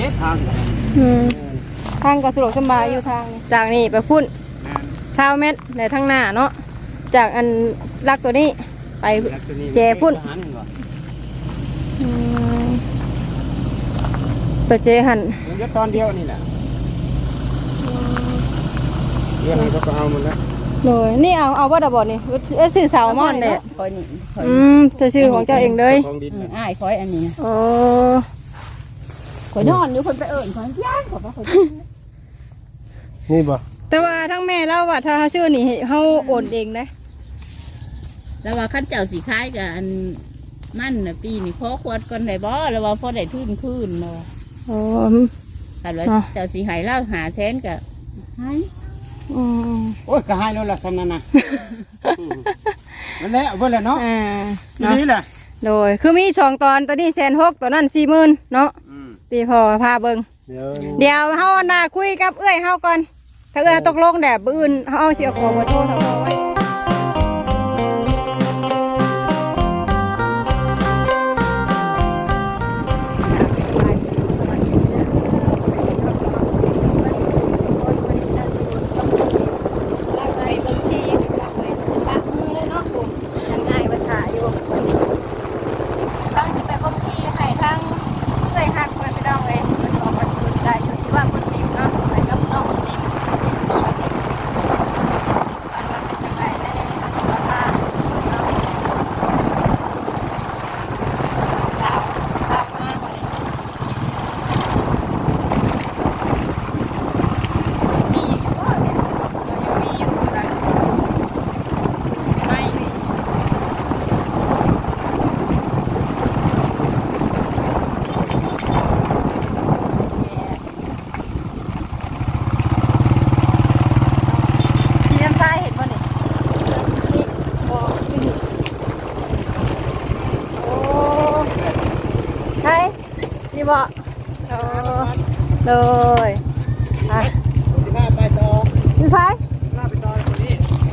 ทางทางก็สะดวกสบายอยู่ทางจากนี่ไปพุ่น20 เมตรในทางหน้าเนาะจากอันลักตัวนี้ไปเจพุ่นไปเจหันเดี๋ยวตอนเดียวนี่แหละเรื่องนี้ก็เอาหมดแล้วเลยนี่เอาว่าดับบอนี่ชื่อสาวมอนเนี่ยคอยนี่จะชื่อของเจ้าเองเลยอ้ายคอยอันนี้อ๋อคอยนอนอยู่คนไปคอยย่างขอคอยนี่บ่แต่ว่าทั้งแม่เล่าว่าถ้าชื่อนี่เขาโอนเองนะแล้วว่าขั้นเจ้าสีคล้ายกับอันมั่นนะปีนี่ขอขวดก่อนได้บ่แล้วว่าพอได้ทื่นคืนเนาะอ๋อแต่ว่าเจ้าสีหายเล่าหาแทนกับหายโอ้ยก็หายแล้วล่ะสำนันนะนั่นแหละเพื่อนแหละเนาะนี่แหละโดยคือมี2 ตอนตัวนี้160,000ตัวนั้น40,000เนาะตีพอพาเบิ่งเดี๋ยวเฮาหน้าคุยกับเอื้อยเฮาก่อนถ้าเอื้อยตกลงแดดอื่นเฮาสิเอาขอบ่โทรเขาไว้บ่เลยไปต่อดูซ้ายไปต่อคนนี้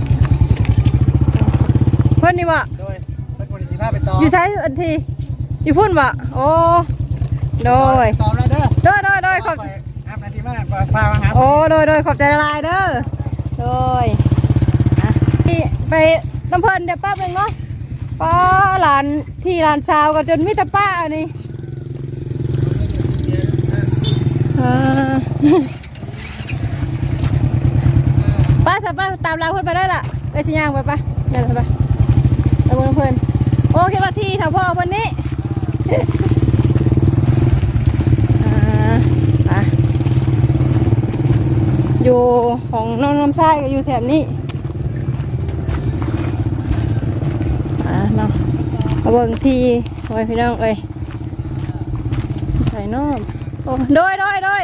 เพื่อนนี่บ่โดยเป็นคนที่ไปต่ออยู่ซ้ายอันทีอยู่พุ่นบ่โอ้โดยต่อแล้วเด้อโดยขอบนาทีมาพามาหาโอ้โดยขอบใจละลายเด้อโดยไปน้ำเพลินเดี๋ยวป้าเป็นเนาะป้าหลานที่หลานสาวก็จนมิตรป้าอันนี้ป้าสับป้าตามเราเพื่อนไปได้ละไปชิย่างไปเดินไปเอาเพื่อนโอ้คิดว่าที่แถวพ่อวันนี้อยู่ของน้องน้ำไส้ก็อยู่แถบนี้เนาะเอาเบิ่งทีไว้พี่น้องเอ้ยใส่น้องโอ้โดย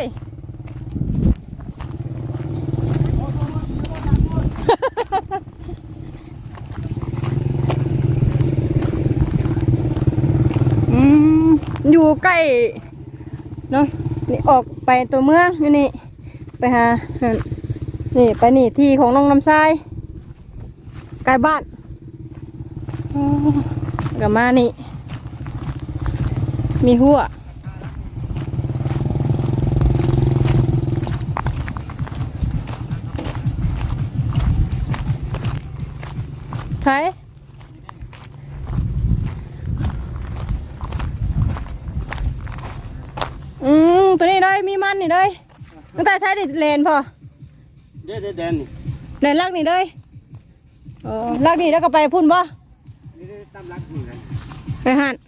อยู่ใกล้เนาะนี่ออกไปตัวเมืองอยู่นี่ไปหานี่ไปนี่ที่ของน้องน้ำทรายใกล้บ้านกับมานี่มีหัวใช่ตัวนี้ได้มีมันนี่เลยตั้งแต่ใช้ดิเลนพอเด็ดนี่เลนลักนี่เลยลักนี่แล้วก็ไปพุ่นบ่ไปหัน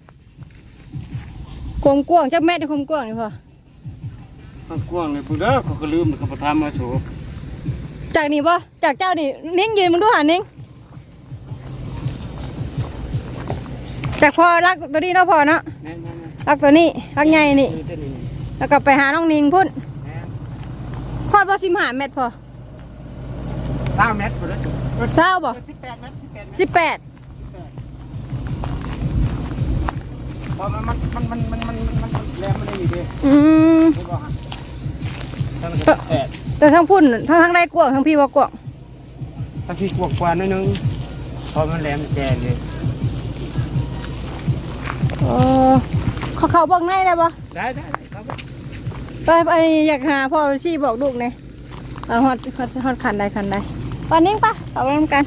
กวงกวงจักแม่ที่กวงกวงนี่พอกวงเลยปุ๊เด้อเขาก็ลืมเขาประทานมาโฉบจากนี่บ่จากเจ้านี่นิ่งยืนมึงดูหันนิ่งจากพอรักตัวนี้เนาะพอเนาะรักตัวนี้รักใหญ่นี่แล้วก็ไปหาน้องนิงพุ่นพอดว่า15 เมตรพอ 20 เมตรเลยเช้าบ่ 18 เมตร 18 พอมันแรงมันได้อยู่ดีแต่ทั้งพุ่นทั้งได้กวางทั้งพี่ว่ากวางทั้งพี่กวางกว่านิดนึงพอมันแรงแกงเลยเขาเบิ่งในได้ปะได้ครับไปอยากหาพ่อซี่บอกลูกเนี่ยฮอดคันใดปานนี้ปะเอาไปทำกัน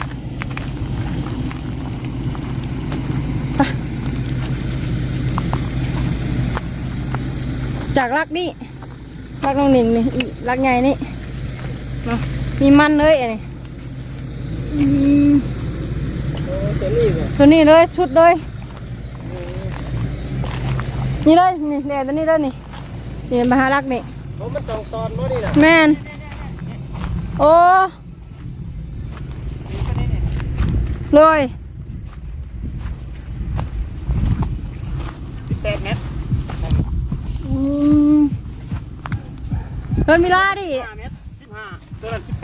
จากรักนี่รักน้องหนิงนี่รักไงนี่มีมันเลยอันนี้ตัวนี้เลยชุดเลยนี่เลยนี่แดดตัวนี้เลยนี่มาหารักนี่มันต้องตอนบ่นี่น่ะแม่นโอ้เลย 18 เมตรเพิ่นมีลาดิ 5 เมตร 15ตัวนั้น18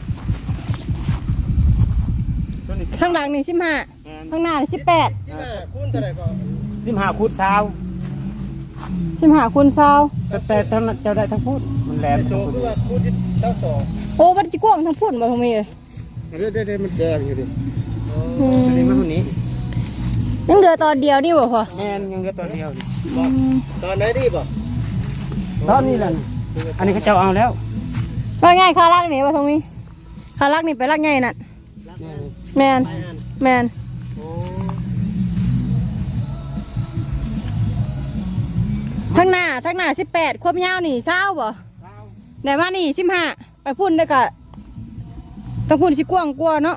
ตัวนี้ข้างหลังนี่15ข้างหน้านี่18 15คูณเท่าไหร่ก็15คูณ20 15คูณ20 แต่ทั้งนั้นเจ้าได้ทั้งพูดมันแหลมโซ่คือว่าคูณ22 โอ้มันจะกว้างทั้งพุ่นบ่ทำไมเอ้ยเด้มันแดงอยู่ดิอันนี้มันนี้ยังเหลือตอนเดียวนี่บ่พอแม่นยังเหลือตอนเดียวนี่ตอนไหนดีบ่ตอนนี้แหละอันนี้เขาเจ้าเอาแล้วว่าง่ายคารักนี่บ่ทำไมคารักนี่ไปรักง่ายนั่นแม่นทั้งหน้า18ควบยาวนี่20บ่ไหนมานี่15ไปพุ่นได้กะต้องพุ่นสิกว้างกว่าเนาะ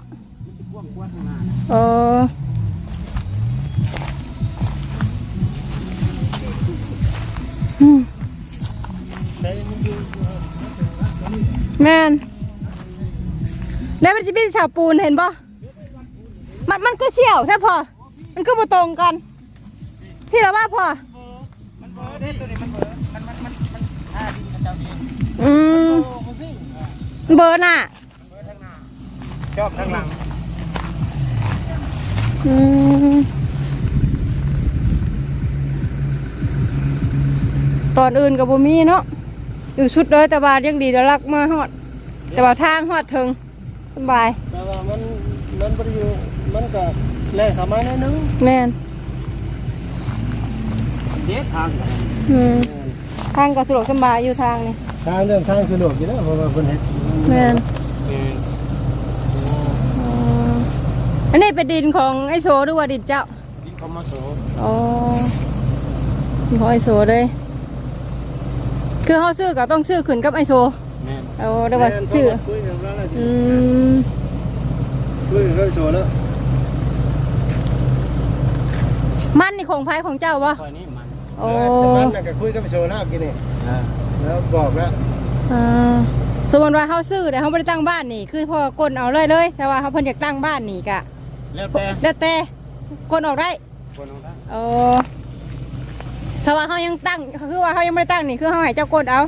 แม่นแล้วมันจะเป็นฉาบปูนเห็นป่ะมันก็เชี่ยวใช่พอมันก็บ่ตรงกันพี่เราว่าพอมันเบอร์เด้ตัวนี้มันเบอร์มันท่าดีมันเจ้าดีเบอร์น่ะเบอร์ทางหน้าชอบทางหลังตอนอื่นกับบ่มีเนาะอยู่ชุดเลยแต่ว่ายังดีจะรักมาฮอดแต่ว่าทางฮอดถึงสบายแต่ว่ามันบ่ได้อยู่มันก็แล่เข้ามาหน่อยนึงแม่นเด็ดทางทางก็สะดวกสบายอยู่ทางนี่ทางเรื่องทางสะดวกอยู่แล้วเพราะว่าเพิ่นเฮ็ดแม่นอันนี้เป็นดินของไอโซหรือว่าดินเจ้าดินของมาโซอ๋อดินของไอโซเลยคือเขาซื้อก็ต้องซื้อขึ้นกับไอโซแม่นเอาเรียกว่าซื้อคุยกับไอโซแล้วมันนี่ของไผของเจ้าวะนี่มันโอ้มันน่ะก็คุยกับไอโซแล้วกินนี่แล้วบอกแล้วสมมติว่าเขาซื้อแต่เขาไม่ได้ตั้งบ้านนี่คือพอกดเอาเลยแต่ว่าเขาเพิ่นอยากตั้งบ้านนี่กะแล้วแต่กดออกได้โอ้ถ้าว่าเขายังตั้งคือว่าเขายังไม่ได้ตั้งนี่คือเขาให้เจ้ากดเอา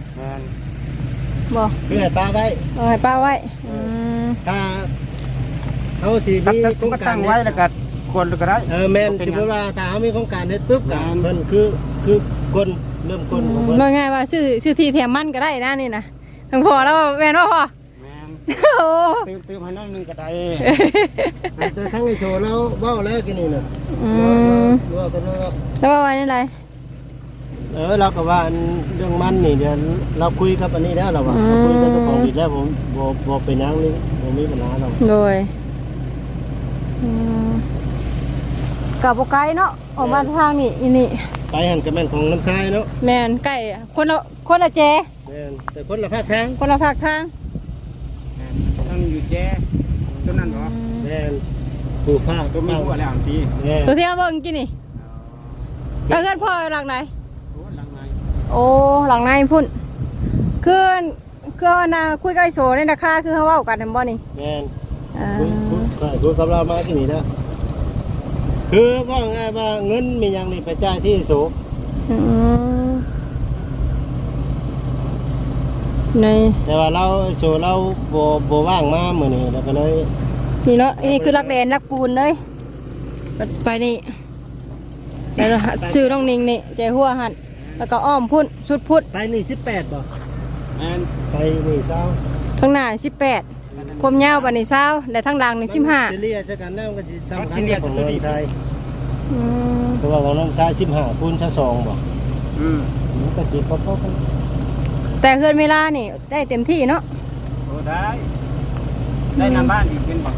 บอกคือให้ป้าไว้ให้ป้าไว้ถ้าเขาสิมีโครงการไว้แล้วก็กดก็ได้แม่นสมมติว่าถ้าเขามีโครงการเฮ็ดปุ๊บก็เพิ่นคือกดเริ่มกดของเพิ่นง่ายว่าชื่อที่แถมมันก็ได้นะนี่นะทั้งพอแล้วแม่นว่าพอแม่นตืมให้น้องนึงก็ได้แต่ทั้งไอโชว์แล้วเว้าแล้วกินนี่น่ะว่ากันแล้วว่านี่ไรเราก็ว่าเรื่องมันนี่เดี๋ยวเราคุยกับอันนี้แล้วเราว่าคุยกับเจ้าของดินแล้วผมบอกเป็นยังนี่ผมมีปัญหาเราโดยกับโบไกเนาะออกมาทางนี่ไปหันกับแม่นของน้ำทรายเนาะแม่นไก่คนละแจแม่นแต่คนละภาคทางต้องอยู่แจต้นนั้นเหรอแม่นปลูกผ้าก็มีหัวแล้วปีตัวที่เอาเบิ่งกินนี่แล้วเพื่อนพ่อหลังไหนโอ้หลังในพุ่นคือนะคุยกับไอโซในราคาคือเขาว่ากันทำบ่นี่แม่นคุยกับเรามาที่นี่นะคือว่าไงว่าเงินมีอย่างนี้ไปจ่ายที่โสแต่ว่าเราโสเราโบว่างมาเหมือนนี่แล้วก็เลยนี่เนาะนี่คือรักแดนรักปูนเลยไปนี่แล้วชื่อน้องนิงนี่ใจหัวหันแล้วก็อ้อมพุ่นสุดพุ่นไปนี่18บ่แม่นไปนี่20 ข้างหน้า18ความยาวบัดนี้20แต่ทางหลังนี่15 เฉลี่ยซะกันแล้วมันสิสำคัญของน้ำทรายเพราะว่าของน้ำทราย15คูณ2บ่มันก็ติดพอๆกันแต่เฮือนเวลานี่ได้เต็มที่เนาะโอ้ได้นำบ้านอีกเป็นบ่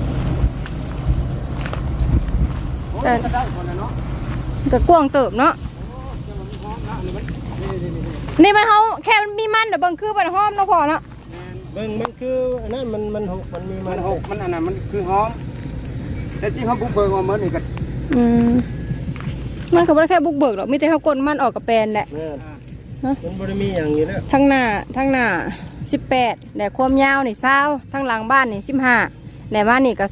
โอ้ก็ได้คนละเนาะก็กว้างเติบเนาะนี่มันเขาแค่มันมีมันเดี๋ยวเบิ่งคือมันหอมเนาะพอเนาะเบิ่งมันคืออันนั้นมันหกมันมีมัมัน นหกมันอันนั้นมันคือหอมแต่จริงเขาบุกเบิกว่าเหมือนนี่ก็มันก็บ่ได้แค่บุกเบิกหรอกมีแต่เขากดมันออกกับแปลนแหละมันบ่ได้มีอย่างนี้แล้วทั้งหน้า18แต่ความยาวนี่20ทั้งหลังบ้านนี่15แต่บ้านนี่ก็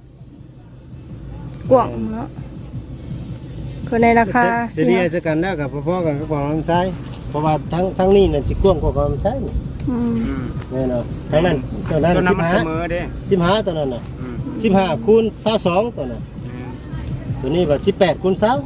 20กว้างเนาะคือในราคาเสียดีสักกันแล้วกับพ่อๆกันก็ของลำไส้เพราะว่าทั้งนี้น่ะสิกว้างกว่าของลำไส้นี่แน่นอนทั้งนั้นตัวนั้นตัวนั้นมันเสมอเด้ 15ตัวนั้นน่ะ15คูณ22ตัวนั้นตัวนี้ว่า18คูณ20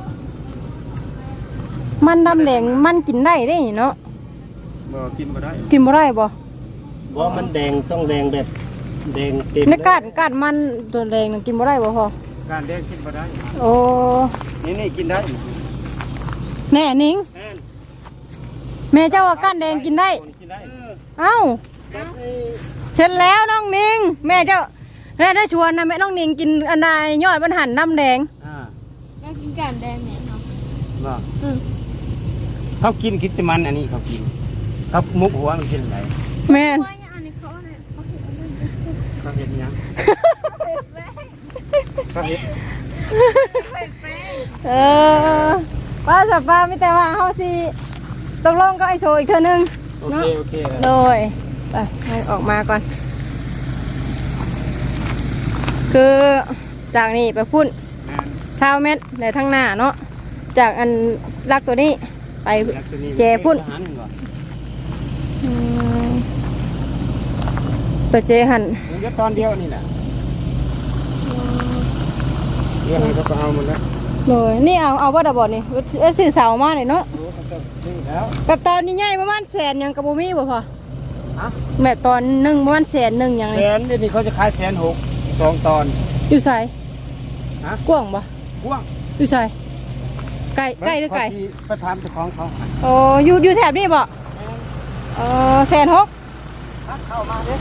มันดำแดงมันกินได้ได้เนาะบ่กินบ่ได้กินบ่ได้บ่บ่มันแดงต้องแดงแบบแดงเต็มในกาดมันตัวแดงน่ะกินบ่ได้บ่พอการเลี้ยงกินบ่ได้โอ้นี่กินได้แน่นิงแม่เจ้าว่าก้านแดงกินได้กินได้เอ้าเสร็จแล้วน้องนิงแม่เจ้าได้ชวนนะแม่น้องนิงกินอันใดยอดมันหันน้ำแดงก็กินการแดงเนี่ยเนาะบ่เขากินแต่มันอันนี้เขากินเขามุกหัวมันกินอะไรแม่นว่าอย่างอันนี้เขาเนี่ยเขาเห็นอันนี้เขาเห็นยังเขาเห็นเออป้าสับป้าไม่แต่ว่าเขาสิตกลงก็ไอโซอีกเท่านึงโอเนาะเคโอเคโดยไปให้ออกมาก่อน คือจากนี้ไปพุ่น20 เมตรในทั้งหน้าเนาะจากอันลักตัวนี้ไปเจพุ่นไปเจหันเดี๋ยวตอนเดียวนี่แหละเดี๋ยวให้เขาก็เอามันแล้วเลยนี่เอาว่าดบอดนี่สื่อเสามาเลยเนาะนี่แล้วกับตอนนี้ใหญ่ประมาณ100,000ยังกับบูมี่บ่พอฮะแบบตอนหนึ่งประมาณ100,000ยังไงแสนเดี๋ยวนี้เขาจะขาย160,000 2 ตอนอยู่ใส่ฮะกว้างบ่กว้างอยู่ใส่ไก่หรือไก่ประทานเจ้าของเขาโอ้อยู่แถบนี้บ่160,000 เข้ามาเด้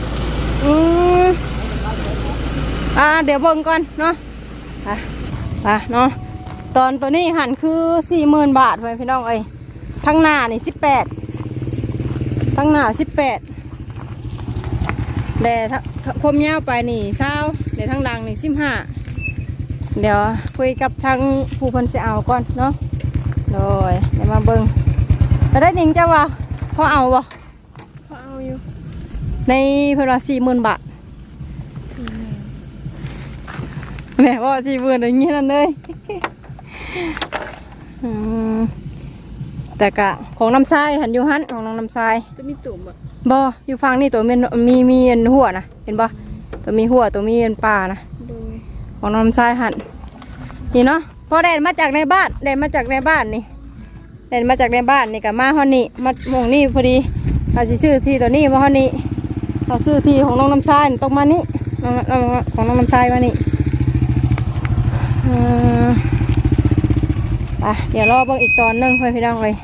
เดี๋ยวเบิ่งก่อนเนาะไปเนาะตอนตัวนี้หันคือ40,000 บาทไปพี่น้องเอ้ยทั้งหน้านี่18ทั้งหน้า18แต่พมยาวไปนี่20เดี๋ยวทั้งหลังนี่15เดี๋ยวคุยกับทางผู้เพิ่นสิเอาก่อนเนาะโดยเดี๋ยวมาเบิ่งแล้วได้หนิงจะว่าพอเอาบ่พอเอาอยู่ในเพิ่นว่า40,000 บาทแม่ว่า40,000อย่างงี้นั่นเลยแต่กะของน้ำทรายหันอยู่หันของน้องน้ำทรายจะมีตุ่มบ่อยู่ฟังนี่ตัวมีหัวนะเห็นบ่ตัวมีหัวตัวมีป่านะของน้องน้ำทรายหันนี่เนาะพอแดดมาจากในบ้านนี่แดดมาจากในบ้านนี่กับมาฮอนนี่มาหมองนี่พอดีเราจะซื้อที่ตัวนี้มาฮอนนี่เราซื้อที่ของน้องน้ำทรายตรงมานี่ของน้องน้ำทรายมานี่เดี๋ยวรอเบิ่งอีกตอนนึงเพื่อนพี่น้องเลย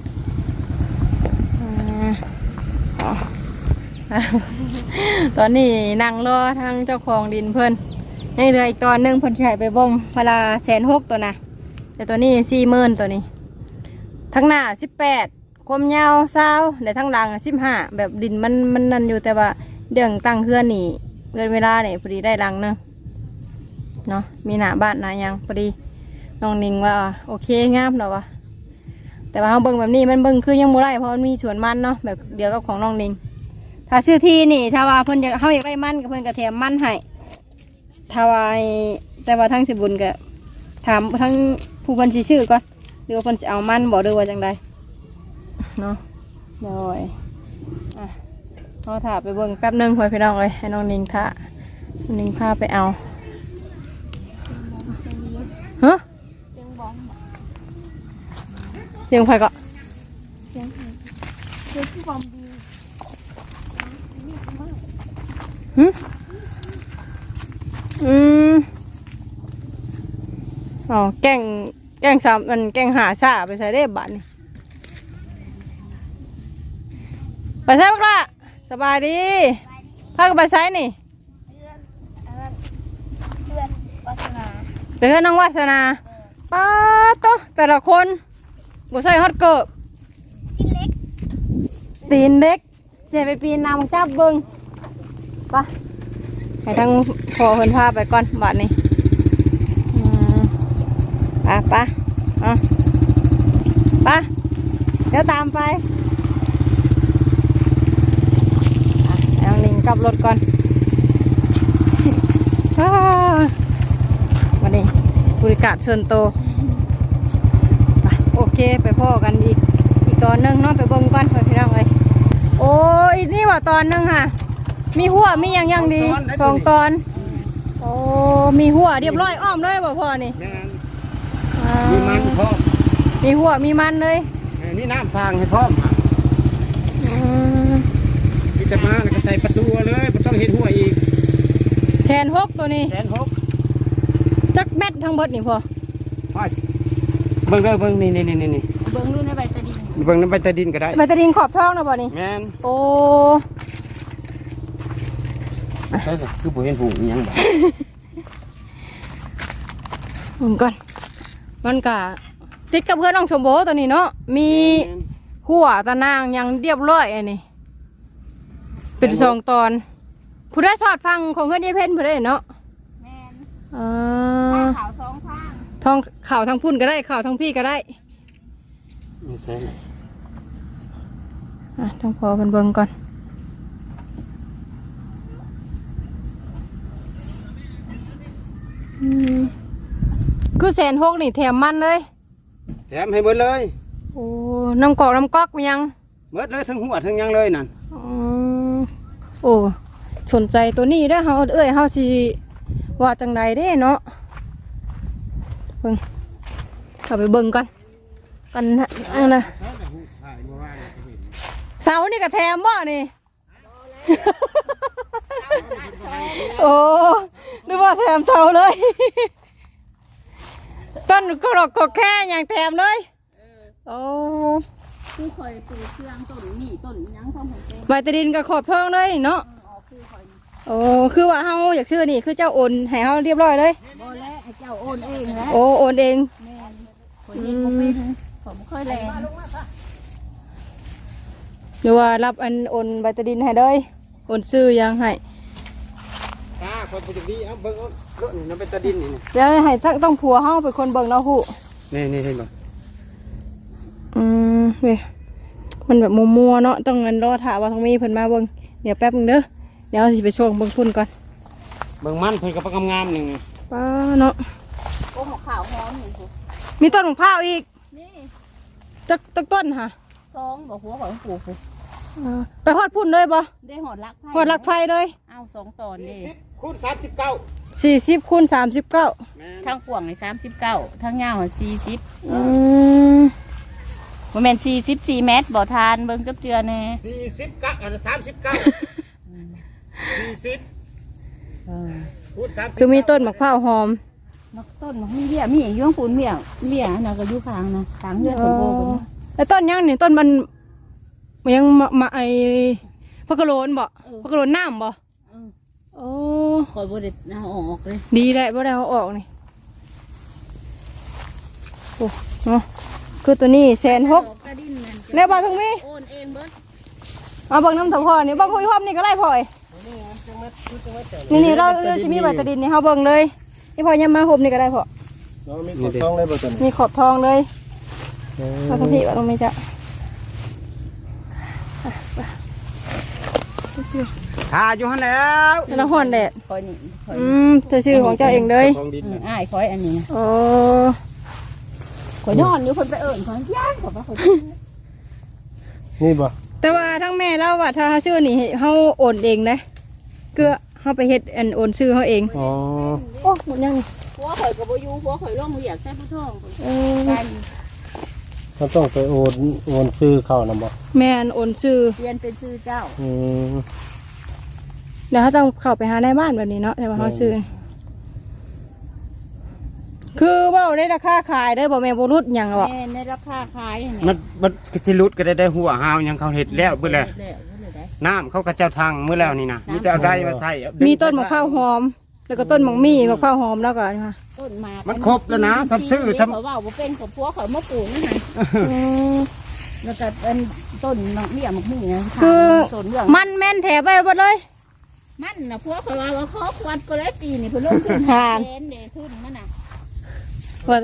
ตอนนี้นั่งรอทางเจ้าของดินเพื่อนยังเหลืออีกตอนนึงเพื่อนใช้ไปบ่งเวลา160,000ตัวนะแต่ตัวนี้40,000ตัวนี้ทั้งหน้า18ความยาว20แต่ทั้งหลัง15แบบดินมันนั่นอยู่แต่ว่าเรื่องตั้งเฮือนนี่เงินเวลาเนี่ยพอดีได้หลังนึงเนาะมีหน้าบ้านหน้ายังพอดีน้องนิงว่าโอเคงามเนาะวะแต่ว่าเขาเบิ่งแบบนี้มันเบิ่งคือยังบ่ได้เพราะมันมีสวนมันเนาะแบบเดียวกับของน้องนิงถ้าชื่อที่นี่ถ้าว่าเพิ่นอยากเขาอยากได้มันกับเพิ่นก็แถมมันให้ถ้าว่าแต่ว่าทั้งสิบุญก็ถามทั้งผู้เพิ่นสิชื่อก่อนหรือว่าเพิ่นสิเอามันบ่หรือว่าจังใดเนาะโดยเขาถ่าไปเบิ่งแป๊บนึงไว้พี่น้องเลยให้น้องนิงถ่านิงพาไปเอาฮะเสียงไฟก็เสียงที่บอมดีอ๋อแกงสามมันแกงหาซาไปใส่ได้บัตรนี่ไปใช้บักละสบายดีพากันไปใช้นี่ไปเพื่อนน้องวาสนาป้าโตแต่ละคนบ่ใส่ฮอตเกิบตีนเล็กเสียไปปีนน้ำจับเบิ้งไปให้ทั้งพอเพิ่นพาไปก่อนบัดนี้ไปเดี๋ยวตามไปเอาหนิงกลับรถก่อนวันนี้บริการส่วนโตไปโอเคไปพ่อกันอีกตอนนึงเนาะไปเบิ่งก่อนไปพี่น้องเลยโอ้ยนี่ว่าตอนนึงค่ะมีหัวมีอย่างดี2 ตอนโอ้มีหัวเรียบร้อยอ้อมเลยบ่พ่อนี่มีมันพร้อมมีหัวมีมันเลยมีน้ำทางให้พร้อมพิจารณาแล้วก็ใส่ประตูเลยไม่ต้องเห็นหัวอีก 1,600,000ตัวนี้ 1,600,000 จักแมททั้งเบิดนี่พ่อเบิ่งนี่เบิ่งดูในใบตะดินเบิ่งในใบตะดินก็ได้ใบตะดินขอบท้องนะบ่นี่แม่นโอ้ใช่สิคือบ่เห็นผูกยังบ่ก่อนมันก็ติดกับเพื่อนน้องชมโบตัวนี้เนาะมีหัวตะนางยังเรียบร้อยอันนี้เป็น2 ตอนผู้ได้สอดฟังของเพื่อนยายเพ็ญผู้ได้เนาะแม่นข่าว2 ทางทองข่าวทางพุ่นก็ได้ข่าวทางพี่ก็ได้ต้องพอเพิ่นเบิ่งก่อนคือ1,600,000นี่แถมมันเลยแถมให้เบิดเลยโอ้น้ำกอกมันยังเบิดเลยทั้งหัวทั้งยังเลยนั่นโอ้สนใจตัวนี้ได้อเฮาเฮาสิว่าจังใดเด้เนาะเบิ่งเข้าไปเบิ่งก่อนกันนะเสานี่ก็แถมบ่นี่โอ้นึกว่าแถมเสาเลยต้นก็ดอกก็แค่อย่างแถมเลยโอ้คือคอยปลูกเครื่องต้นมีต้นยังพร้อมของเต็มใบตะดินกับขอบทองเลยเนาะโอ้คือว่าเฮาอยากชื่อนี่คือเจ้าโอนให้เฮาเรียบร้อยเลยบ่แล้วให้เจ้าโอนเองแล้วโอ้โอนเองแม่นคนนี้บ่เป็นผมเคยแลนหรือว่ารับอันโอนใบตะดินให้เลยโอนซื้อยังให้คนปกติเอาเบิ่งรถนี่น้ำใบตะดินนี่เดี๋ยวให้ต้องผัวเฮาเป็นคนเบิ่งเนาะฮู้นี่เห็นบ่เว้ยมันแบบมัวๆเนาะต้องรอถ่าว่าทางมีเพิ่นมาเบิ่งเดี๋ยวแป๊บนึงเด้อเดี๋ยวสิไปส่งเบิ่งพุ่นก่อนเบิ่งมันเพิ่นก็งามๆนึงป้าเนาะโอ้หัวขาวฮ้อนนี่มีต้นมะพร้าวอีกนี่จักต้นค่ะ 2บ่หัวของปลูกไปฮอดพุ่นเลยบ่ได้ฮอดลักไฟเลยเอา2 ตอนนี่คูณ39 40 คูณ 39 ทางกว้างนี่39ทางยาว40บ่แม่น44 เมตรบ่ทานเบิ่งจับเจือแน่ 40กับ39 40คูณ30 คือมีต้นมะพร้าวหอมต้นมีเบี้ยมีอยู่ข้างปูนเบี้ยน่ะก็อยู่ข้างนะข้างเฮือนสมโภชแล้วต้นยังนี่ต้นมันยังมาไอ้พักกะโหลนบ่พักกะโหลนน้ำบ่โอ้คอยบ่ได้เอาออกเลยดีได้บ่ได้เอาออกนี่โอ้เนาะคือตัวนี้1,600,000แล้วบ่ถึงมีโอนเองเบิดเอาเบิ่งน้ำถพ่อนี่เบิ่งคุยพร้อมนี่ก็ได้พ่อยนี่เราจะมีใบตะดินนี่เฮาเบิ่งเลยนี่พ่อยังมาห่มนี่ก็ได้พ่อมีขอบทองเลยบ่จันมีขอบทองเลยมาทำพี่ว่าตรงนี้จ้ะหาอยู่หั่นแล้วแล้วฮ้อนแดดเธอชื่อของเจ้าเองเลยอ้ายคอยอันนี้โอ้ข่อยนอนอยู่เพิ่นไปเอิ้นข่อยย่างข่อยว่าข่อยนี่บ่แต่ว่าทั้งแม่เล่าว่าถ้าชื่อนี่เฮาโอนเองนะเกือเฮาไปเฮ็ดอันโอนชื่อเฮาเองอ๋อโอ้หมดยังผัวข่อยก็บ่อยู่ผัวข่อยลงเรียกใส่ผู้ท้องเขาต้องไปโอนชื่อเขานำบ่แม่นโอนชื่อเปลี่ยนเป็นชื่อเจ้าเดี๋ยวเขาต้องเข้าไปหาในบ้านแบบนี้เนาะแต่ว่าเขาซื้อคือว่าได้ราคาขายได้บ่แม่บ่รุดหยังหรอแม่ในราคาขายมันสิรุดก็ได้หัวหาวยังเขาเฮ็ดแล้วเบิดแล้วน้ำเขาก็เจ้าทางมื้อแล้วนี่นะมีแต่เอาได้มาใส่มีต้นมะพร้าวหอม แล้วก็ต้นมังมี่มะพร้าวหอมแล้วก็ค่ะต้นมามัมันครบแล้วนะสับซื้อเขาว่าบ่เป็นกับพวกเขามาปลูกนะฮะแล้วก็เป็นต้นมะเมี่ยมะมี่นะคือต้นเรื่องมันแม่นแถไปหมดเลยมันนะพวกเขาว่าเขาควัดก็ได้ปีนี่เพิ่นลงขึ้นผ่านแสนเด้ขึ้นมันน่ะว่า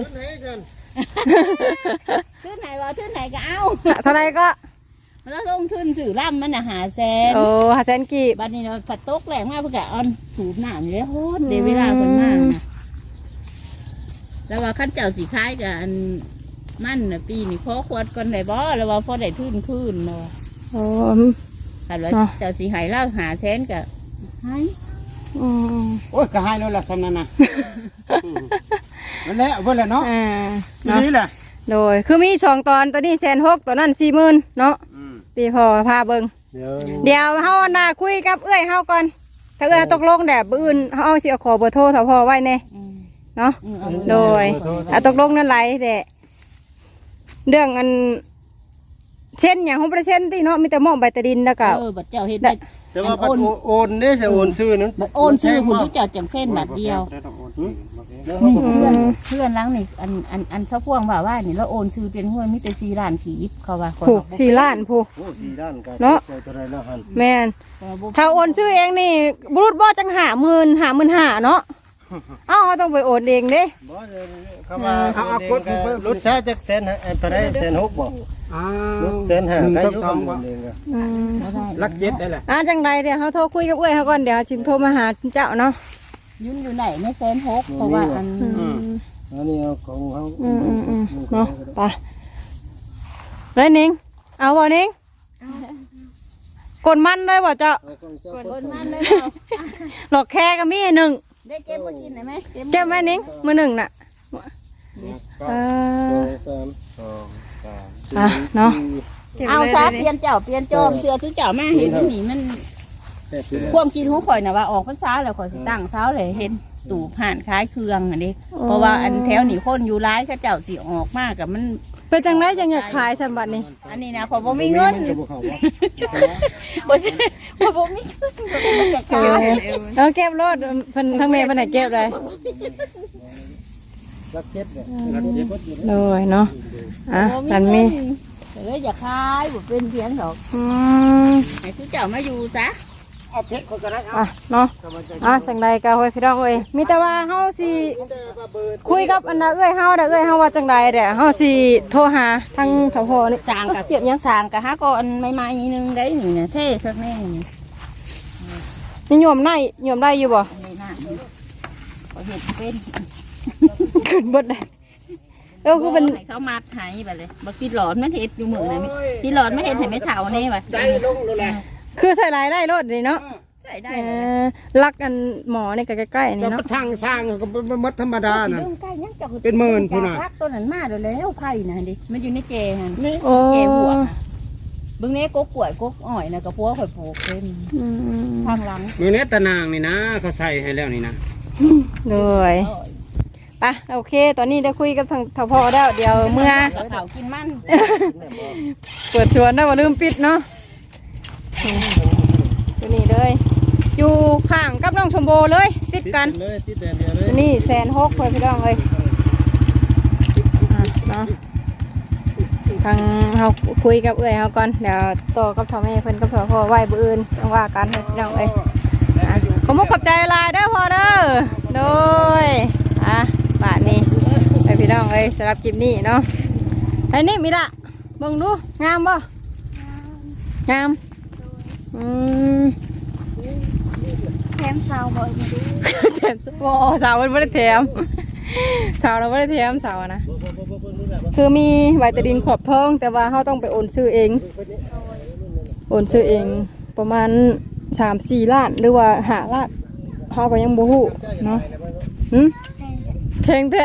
ขึ้นไหนว่าขึ้นไหนก็เอาเท่าไรก็แล้วลงทุนสื่อล่ำมันน่ะ500,000 โอ้500,000กีบบัดนี้เนาะผัดตกแรงมากเพื่อกะออนสูบน้ำเลยโหดเดี๋ยวเวลาคนมากนะแล้วว่าขั้นเจ้าสีคล้ายกับอันมันนะปีนี่ขอขวดก่อนได้บ่แล้วว่าพอได้ขึ้นเนาะโอ้คันว่าเจ้าสีหายเล่า500,000ก็หายอืมโอ้ยก็ให้แล้วล่ะสำนั้นนะนั่นแหละเพิ่นแหละเนาะนี่แหละโดยคือมี2 ตอนตัวนี้160,000ตัวนั้น40,000เนาะตีพอพาเบิ่งเดี๋ยวเฮาน่ะคุยกับเอื้อยเฮาก่อนถ้าเอื้อยตกลงแบบอื่นเฮาสิเอาขอเบอร์โทรถ้าพอไว้แน่เนาะโดยตกลงนั่นไหลแต่เรื่องอันเช่นอย่างของประเช่นที่เนาะมีแต่หม้อใบตะดินแล้วก็บัดเจ้าเฮ็ดได้แต่ว่าโอนได้จะโอนซื้อนั้นบัดโอนซื้อคุณที่เจ้าจังเส้นบัดเดียวเพื่อนล้างนี่อันเฉพาะว่านี่เราโอนซื้อเป็นห้วยมีแต่4 ล้านขีบเขาว่าผูก4 ล้านผูกโอ้4 ด้านกันเนาะตัวใดแล้วหั่นแม่นถ้าโอนซื้อเองนี่บุรุษบ่จัง50,000เนาะเอ้าต้องไปโอนเองเด้บ่เข้ามาเอากดรถช้าจักแสนตัวใด160,000บ่รถ150,000ก็อยู่กับเองก็ลักเย็ดได้แหละจังใดเดี๋ยวเขาโทรคุยกับเอื้อยเขาก่อนเดี๋ยวจิมโทรมาหาเจ้าเนาะยุ่นอยู่ไหนใน160,000เพราะว่าอันอันนี้เอาของเขาเนาะไปเลยนิงเอาบ่นิงกดมันเลยบ่เจ้าคนมันเลยหลอกแค่ก็มีหนึ่งได้เก็บมากินได้ไหมเก็บไว้นิงมือหนึ่งน่ะเนาะเอาซะเปลี่ยนเจ้าเปลี่ยนจอมเสือทุกเจ้ามาเห็นที่นี่มันความกินของข่อยน่ะว่าออกพรรษาแล้วข่อยสิตั้งเช้าเลยเห็นตู่ผ่านคล้ายเครื่องอันนี้เพราะว่าอันแถวนี่คนอยู่ร้ายเขาเจ้าสิออกมากกับมันเป็นจังไรจังอยากขายสมบัตินี่อันนี้นะข่อยบ่มีเงินบ่ใช่บ่มีเงินบ่อยากขายเก็บรถเพิ่นทั้งแม่เพิ่นไหนเก็บเลยรักเจ็ดเนี่ยเลยเนาะอันมีเลยอยากขายบ่เป็นเพียงดอกให้ทุกเจ้ามาอยู่ซะเอาเพชรคนก็ได้เนาะจังใดก็ไว้พี่น้องเอ้ยมีแต่ว่าเฮาสิคุยกับอันน่ะเอ้ยเฮาเด้อเอ้ยเฮาว่าจังใดเด้อเฮาสิโทรหาทางสพนี่สร้างกับเปียกยังสร้างกับหาก่อนใหม่ๆนึงได้นี่นะเท่สักแน่นี่นี่โยมได้อยู่บ่ในหน้าเขาเห็นเป็นขึ้นเบิดเลยคือเป็นให้เขามัดให้ไปเลยบักติดหลอดมันเห็ดอยู่มือนะติดหลอดไม่เห็ดเห็นไม่เท่านี่ไปใจลงเลยแหละคือใส่ลายได้รถนี่เนาะใส่ได้ลักอันหมอนี่ใกล้ๆนี่เราเนาะก็ทางสร้างก็มัดธรรมดานะใกล้ยังจะเป็นหมื่นพุ่นน่ะรักตัวนั้นมาแล้วไผ่นะดิมันอยู่ในเจหันโอ้เจหัวเบื้องนี้กกกล้วยกกอ้อยนะกับพวกข่อยปลูกเป็นทางหลังมือเนี้ยตะนางนี่นะเขาใส่ให้แล้วนี่นะเลยปะโอเคตอนนี้ได้คุยกับทางทพแล้วเดี๋ยวเมื่อกับเขากินมันเปิดชวนได้ว่าลืมปิดเนาะตัวนี้เลยอยู่ข้างกับน้องชมโบเลยติดกันเลยติดแต่เดียวเลยตัวนี้160,000เพื่อนพี่น้องเลยเนาะทางเราคุยกับเอื้อยเขาก่อนเดี๋ยวต่อกับทอแม่เพิ่นกับพ่อไหวบื้ออื่นต้องว่ากันพี่น้องเลยขอมุกขอบใจลายเด้อพ่อเด้อโดยบาทนี้ไอพี่น้องเอ้ยสำหรับคลิปนี้เนาะไอ้นี่มีละเบิ่งดูงามบ่งามแถมซาวบ่อยแถมบ่สาวมันไม่ได้แถมสาวเราไม่ได้แถมสาวนะคือมีใบตะดินขอบท้องแต่ว่าเขาต้องไปโอนซื้อเองประมาณ3-4 ล้านหรือว่า5 ล้านเขาก็ยังบ่ฮู้เนาะแพงแท้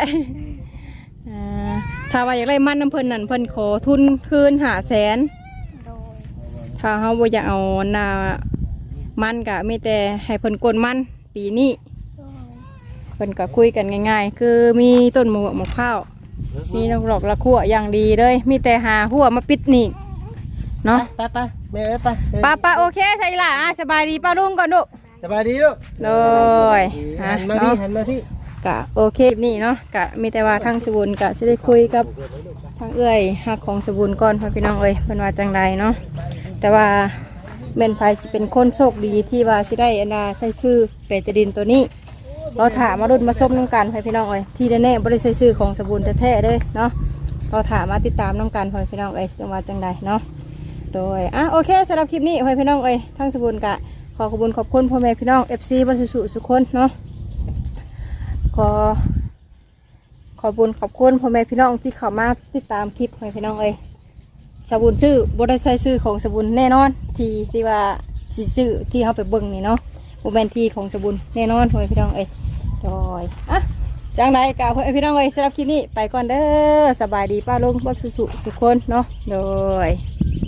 ถ้าว่าอยากได้มันน้ำเพิ่นนั่นเพิ่นขอทุนคืน500,000ถ้าเขาบ่อยากเอาหน้ามันก็มีแต่ให้เพิ่นกดมันปีนี้เพิ่นก็คุยกันง่ายๆคือมีต้นมะพร้าวมีดอกละขั่วอย่างดีเลยมีแต่หาหัวมาปิดหนีบเนาะไปแม่ไปป้าโอเคใช่ล่ะสบายดีป้าลุงก่อนลูกสบายดีลูกเลยฮะหันมาพี่หันมาพี่กะโอเคนี่เนาะกะมีแต่ว่าทางสบุญกะจะได้คุยกับทางเอื้อยฮักของสบุญก่อนพ่อพี่น้องเอ้ยเป็นว่าจังใดเนาะแต่ว่าเมนไฟจะเป็นคนโชคดีที่ว่าสิได้อันดาใส่ซื้อเปตาดินตัวนี้เราถามมารุ่นมาส้มน้องกันพ่อพี่น้องเอ้ยที่แน่ๆบริใส่ซื้อของสบุญแท้ๆเลยเนาะเราถามมาติดตามน้องกันพ่อพี่น้องเอ้ยจังว่าจังใดเนาะโดยโอเคสำหรับคลิปนี้พ่อพี่น้องเอ้ยทางสบุญกะขอขอบคุณพ่อแม่พี่น้อง FC บรรสุสุคนเนาะขอบคุณพ่อแม่พี่น้องที่เข้ามาติดตามคลิปให้พี่น้องเอ้ยสบุญซื้อบริษัทซื้อของสบุญแน่นอนที่ว่าซื้อที่เขาไปเบิ่งนี่เนาะโมเมนทีของสบุญแน่นอนพ่อแม่พี่น้องเอ้ยโดยจังไรกล่าวพ่อแม่พี่น้องเอ้ยสำหรับคลิปนี้ไปก่อนเด้อสบายดีป้าลุงบรรสุสุคนเนาะโดย